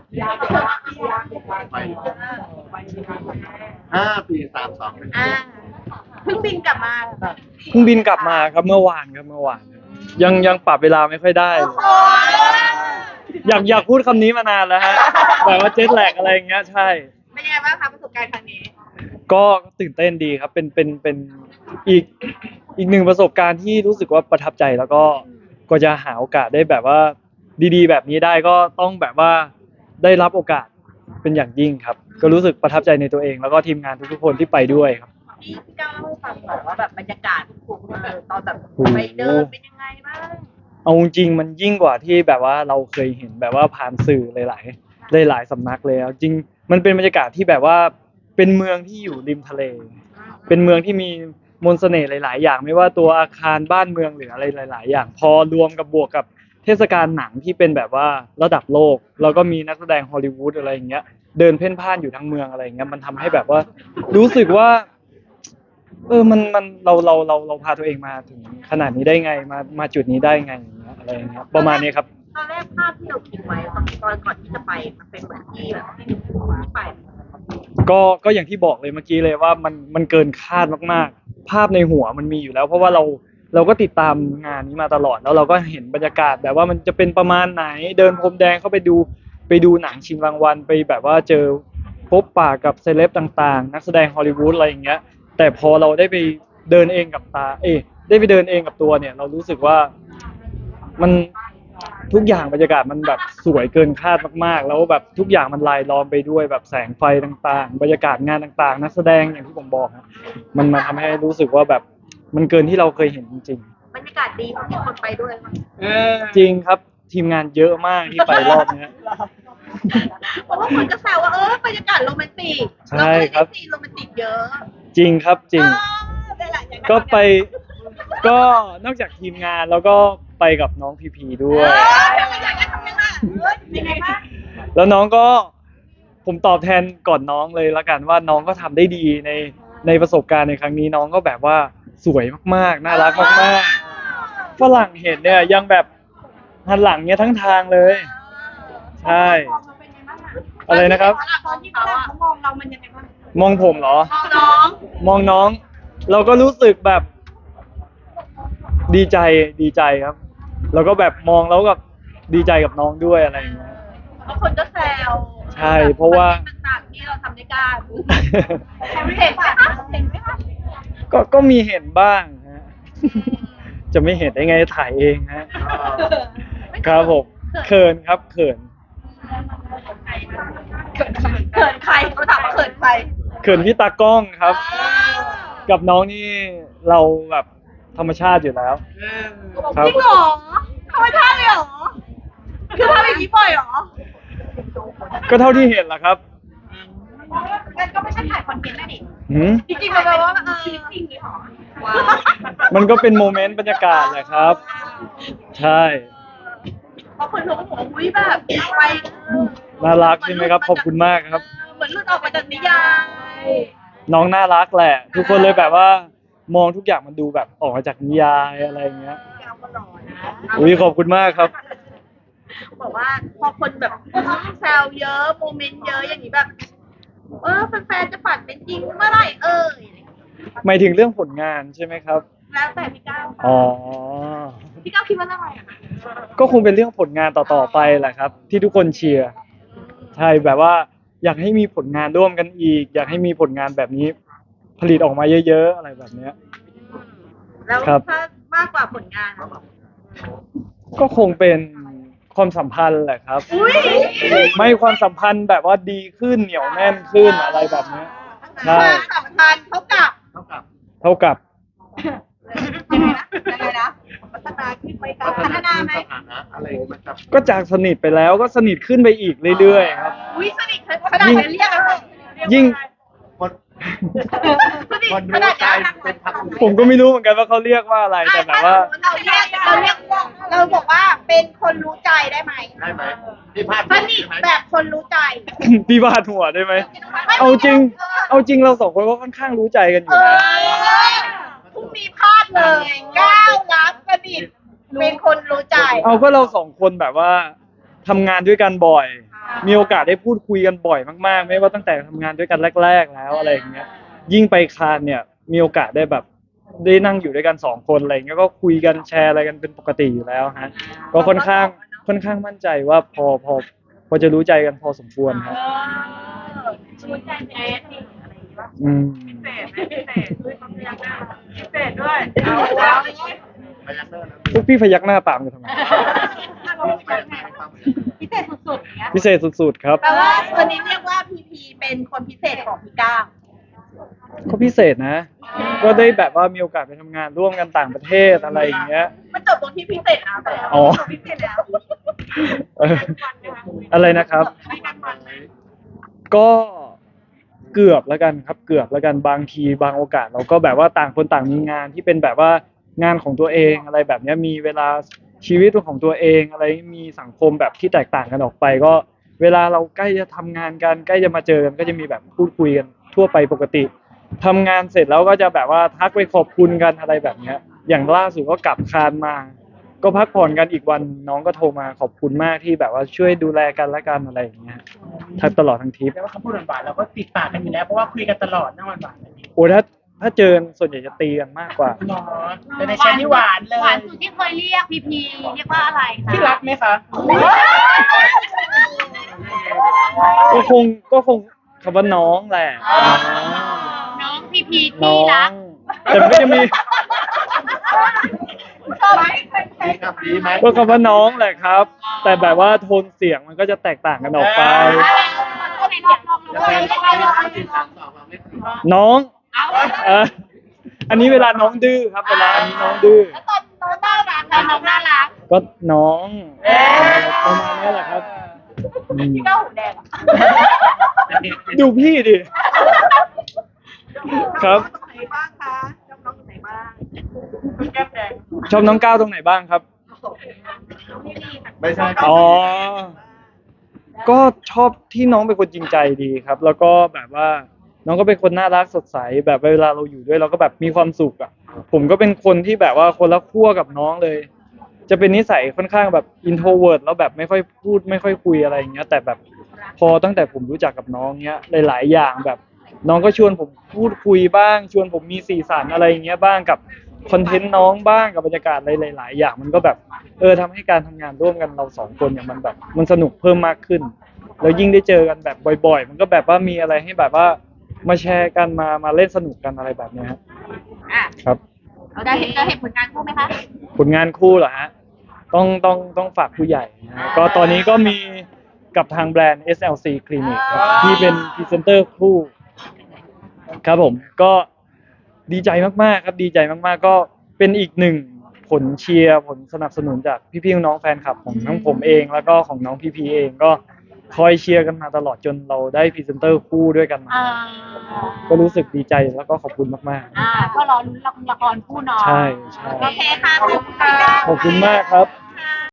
ไป5 ปี 3 2 1 อ่าเพิ่งบินกลับมาแบบเพิ่งบินกลับมาครับเมื่อวานครับเมื่อวานยังปรับเวลาไม่ค่อยได้เลยโอ้อยากพูดคำนี้มานานแล้วฮะแบบว่าเจ็ตแลกอะไรอย่างเงี้ยใช่เป็นยังไงบ้างคะประสบการณ์ครั้งนี้ก็ตื่นเต้นดีครับเป็นอีกอีกหนึ่งประสบการณ์ที่รู้สึกว่าประทับใจแล้วก็จะหาโอกาสได้แบบว่าดีๆแบบนี้ได้ก็ต้องแบบว่าได้รับโอกาสเป็นอย่างยิ่งครับก็รู้สึกประทับใจในตัวเองแล้วก็ทีมงานทุกๆคนที่ไปด้วยครับพี่ก้าวเล่าให้ฟังหน่อยว่าแบบบรรยากาศตอนแบบไปเดินเป็นยังไงบ้างเอาจริงๆมันยิ่งกว่าที่แบบว่าเราเคยเห็นแบบว่าผ่านสื่อหลายสำนักเลยจริงมันเป็นบรรยากาศที่แบบว่าเป็นเมืองที่อยู่ริมทะเลเป็นเมืองที่มีมนต์เสน่ห์หลายๆอย่างไม่ว่าตัวอาคารบ้านเมืองหรืออะไรหลายๆอย่างพอรวมกับบวกกับเทศกาลหนังที่เป็นแบบว่าระดับโลกแล้วก็มีนักแสดงฮอลลีวูดอะไรอย่างเงี้ยเดินเพ่นพ่านอยู่ทั้งเมืองอะไรอย่างเงี้ยมันทำให้แบบว่ารู้สึกว่ามันเราพาตัวเองมาถึงขนาดนี้ได้ไงมาจุดนี้ได้ไงอย่างเงี้ยอะไรอย่างเงี้ยประมาณนี้ครับตอนแรกภาพที่เราคิดไว้ตอนก่อนที่จะไปมันเป็นเหมือนที่แบบที่ไปก็อย่างที่บอกเลยเมื่อกี้เลยว่ามันเกินคาดมากๆภาพในหัวมันมีอยู่แล้วเพราะว่าเราก็ติดตามงานนี้มาตลอดแล้วเราก็เห็นบรรยากาศแบบว่ามันจะเป็นประมาณไหนเดินพรมแดงเข้าไปดูหนังชิงรางวัลไปแบบว่าเจอพบปะกับเซเลบต่างๆนักแสดงฮอลลีวูดอะไรอย่างเงี้ยแต่พอเราได้ไปเดินเองกับตาได้ไปเดินเองกับตัวเนี่ยเรารู้สึกว่ามันทุกอย่างบรรยากาศมันแบบสวยเกินคาดมากๆแล้วแบบทุกอย่างมันลายล้อมไปด้วยแบบแสงไฟต่างๆบรรยากาศงานต่างๆนักแสดงอย่างที่ผมบอกนะมันมาทำให้รู้สึกว่าแบบมันเกินที่เราเคยเห็นจริงบรรยากาศดีเพราะมีคนไปด้วยมั้งๆจริงครับทีมงานเยอะมากที่ไปรอบนี้เพราะว่าคนก็แซวว่าบรรยากาศโรแมนติกใช่ครับซีนโรแมนติกเยอะจริงครับจริงก็ไปก็นอกจากทีมงานแล้วก็ไปกับน้องพีพีด้วยแล้วน้องก็ผมตอบแทนก่อนน้องเลยละกันว่าน้องก็ทำได้ดีในประสบการณ์ในครั้งนี้น้องก็แบบว่าสวยมากๆน่ารักมากๆฝรั่งเห็นเนี่ยยังแบบหันหลังเนี่ยทั้งทางเลยใช่อะไรนะครับตอนที่เขามองเรามันยังไงบ้างมองผมเหรอมองน้องมองน้องเราก็รู้สึกแบบดีใจครับแล้วก็แบบมองแล้วกับดีใจกับน้องด้วยอะไรอย่างเงี้ยบางคนก็แซวใช่เพราะว่าต่างๆที่เราทำด้วยกันเห็นไหมคะเห็นไหมคะก็มีเห็นบ้างฮะจะไม่เห็นได้ไงถ่ายเองฮะครับผมเขินครับเขินใครเขาถามว่าเขินใครเขินพี่ตากล้องครับกับน้องนี่เราแบบธรรมชาติอยู่แล้วจริงเหรอธรรมชาติเลยเหรอคือทำอย่างนี้บ่อยเหรอก็เท่าที่เห็นแหละครับงั้นก็ไม่ใช่ถ่ายคอนเทนต์นะดิจริงๆมันแปลว่าชีวิตจริงเลยเหรอมันก็เป็นโมเมนต์บรรยากาศแหละครับใช่เพราะคนรู้ว่าอุ้ยแบบไปน่ารักใช่ไหมครับขอบคุณมากครับเหมือนหลุดออกมาจากนิยายน้องน่ารักแหละทุกคนเลยแบบว่ามองทุกอย่างมันดูแบบออกมาจากนิยายอะไรอย่างเงี้ยอุ้ยขอบคุณมากครับบอกว่าพอคนแบบแซวเยอะโมเมนต์เยอะอย่างนี้แบบแฟนๆจะฝันเป็นจริงเมื่อไหร่หมายถึงเรื่องผลงานใช่ไหมครับแล้วแต่พี่ก้าวอ๋อพี่ก้าวคิดว่าเรื่องอะไรอ่ะก็คงเป็นเรื่องผลงานต่อๆไปแหละครับที่ทุกคนเชียร์ใช่แบบว่าอยากให้มีผลงานร่วมกันอีกอยากให้มีผลงานแบบนี้ผลิตออกมาเยอะๆอะไรแบบเนี้ยแล้วถ้ามากกว่าผลงานก็คงเป็นความสัมพันธ์แหละครับไม่ความสัมพันธ์แบบว่าดีขึ้นเหนียวแน่นขึ้นอะไรแบบนี้ใช่ความสัมพันธ์เท่ากับยังไงนะพัฒนาขึ้นไปกันพัฒนาไหมอะไรมันจะก็จากสนิทไปแล้วก็สนิทขึ้นไปอีกเรื่อยๆครับสนิทขนาดเรียกอะไรยิ่งขนาดผมก็ไม่รู้เหมือนกันว่าเขาเรียกว่าอะไรแต่แบบว่าเราบอกว่าเป็นคนรู้ใจได้ไหมพี่พาดสนิทแบบคนรู้ใจพี่บาดหัวได้ไหมเอาจริงเราสองคนก็ค่อนข้างรู้ใจกันอยู่นะพรุ่งนี้พลาดเลยก้าวรับสนิทเป็นคนรู้ใจเอาก็เราสองคนแบบว่าทำงานด้วยกันบ่อยมีโอกาสได้พูดคุยกันบ่อยมากๆไม่ว่าตั้งแต่ทำงานด้วยกันแรกๆแล้วอะไรอย่างเงี้ยยิ่งไปคานเนี่ยมีโอกาสได้แบบได้นั่งอยู่ด้วยกันสองคนอะไรอย่างเงี้ยก็คุยกันแชร์อะไรกันเป็นปกติอยู่แล้วฮะก็ค่อนข้างมั่นใจว่าพอจะรู้ใจกันพอสมควรครับชูใจเจ๊อะไรอย่างเงี้ยอืมพิเศษด้วยความพยักหน้าพิเศษด้วยเอาพยักหน้านะพวกพี่พยักหน้าตามกันทำไมพิเศษสุดๆอย่างเงี้ยพิเศษสุดๆครับแปลว่าวันนี้เรียกว่าพีพีเป็นคนพิเศษของพี่ก้าวก็พิเศษนะ ก็ได้แบบว่ามีโอกาสไปทำงานร่วมกันต่างประเทศอะไรอย่างเงี้ยมันจบตรงที่พิเศษแล้วแต่อ๋อพิเศษแล้วเอออะไรนะครับไม่กันวันไหมก็เกือบแล้วกันครับเกือบแล้วกันบางทีบางโอกาสเราก็แบบว่าต่างคนต่างมีงานที่เป็นแบบว่างานของตัวเองอะไรแบบเนี้ยมีเวลาชีวิตของตัวเองอะไรมีสังคมแบบที่แตกต่างกันออกไป ก็เวลาเราใกล้จะทำงานกันใกล้จะมาเจอกันก็จะมีแบบพูดคุยกันทั่วไปปกติทำงานเสร็จแล้วก็จะแบบว่าทักไปขอบคุณกันอะไรแบบเนี้ยอย่างล่าสุดก็กลับคานมา ก็พักผ่อนกันอีกวันน้องก็โทรมาขอบคุณมากที่แบบว่าช่วยดูแลกันและกันอะไรอย่างเงี้ยทั้งตลอดทั้งทริปแปลว่าคำพูดหวานๆเราก็ติดปากกันอยู่แล้วเพราะว่าคุยกันตลอดนั่งหวานๆแบบนี้โอ้ถ้าเจอส่วนใหญ่จะตีกันมากกว่าหรอแต่ในแชทนี่หวานเลยหวานสุดที่เคยเรียกพีพีเรียกว่าอะไรคะที่รักไหมคะก็คงคำว่าน้องแหละน้องพีพีน้ที่อรังกแต่มันก็จะมีชอบไหมดีครับดีไหมก็คำว่าน้องแหละครับ แต่แบบว่าโทนเสียงมันก็จะแตกต่างกันออกไปในเสียงลองยังไงห้าสี่สามสองเราไม่ถูกน้องอันนี้เวลาน้องดื้อครับ เวลาอันนี้น้องดื้อตอนน้องน่ารักน้องน่ารักก็น้องประมาณนี้แหละครับอืมพี่ก้าวหูแดงดูพี่ดิครับตรงไหนบ้างคะน้องตรงไหนบ้างแก้มแดงชอบน้องก้าวตรงไหนบ้างครับไม่ใช่ครับอ๋อ ก็ชอบที่น้องเป็นคนจริงใจดีครับ แล้วก็แบบว่าน้องก็เป็นคนน่ารักสดใสแบบเวลาเราอยู่ด้วยเราก็แบบมีความสุขอ่ะผมก็เป็นคนที่แบบว่าคนละขั้วกับน้องเลย จะเป็นนิสัยค่อนข้างแบบอินโทรเวิร์ตแล้วแบบไม่ค่อยพูดไม่ค่อยคุยอะไรอย่างเงี้ย แต่แบบพอตั้งแต่ผมรู้จักกับน้องเงี้ยหลายๆอย่างแบบ น้องก็ชวนผมพูดคุยบ้าง ชวนผมมีสีสันอะไรอย่างเงี้ยบ้างกับคอนเทนต์น้องบ้างกับบรรยากาศอะไรหลายๆอย่างมันก็แบบทำให้การทำงานร่วมกันเราสองคนเนี่ยมันแบบมันสนุกเพิ่มมากขึ้น แล้วยิ่งได้เจอกันแบบบ่อยๆ มันก็แบบว่ามีอะไรให้แบบว่ามาแชร์กันมาเล่นสนุกกันอะไรแบบเนี้ยฮะอ่ะครับเราจะเห็นผลงานคู่ไหมคะผลงานคู่เหรอฮะต้องฝากผู้ใหญ่นะฮะก็ตอนนี้ก็มีกับทางแบรนด์ SLC Clinic ครับที่เป็นพรีเซนเตอร์คู่ครับผมก็ดีใจมากๆครับดีใจมากๆก็เป็นอีกหนึ่งผลเชียร์ผลสนับสนุนจากพี่ๆน้องๆแฟนคลับของทั้งผมเองแล้วก็ของน้องพีเองก็คอยเชียร์กันมาตลอดจนเราได้พรีเซนเตอร์คู่ด้วยกันมา ก็รู้สึกดีใจแล้วก็ขอบคุณมากก็รอลุ้นละครคู่เน้องๆ ใช่โอเคค่ะขอบคุณค่ะขอบคุณมากครับ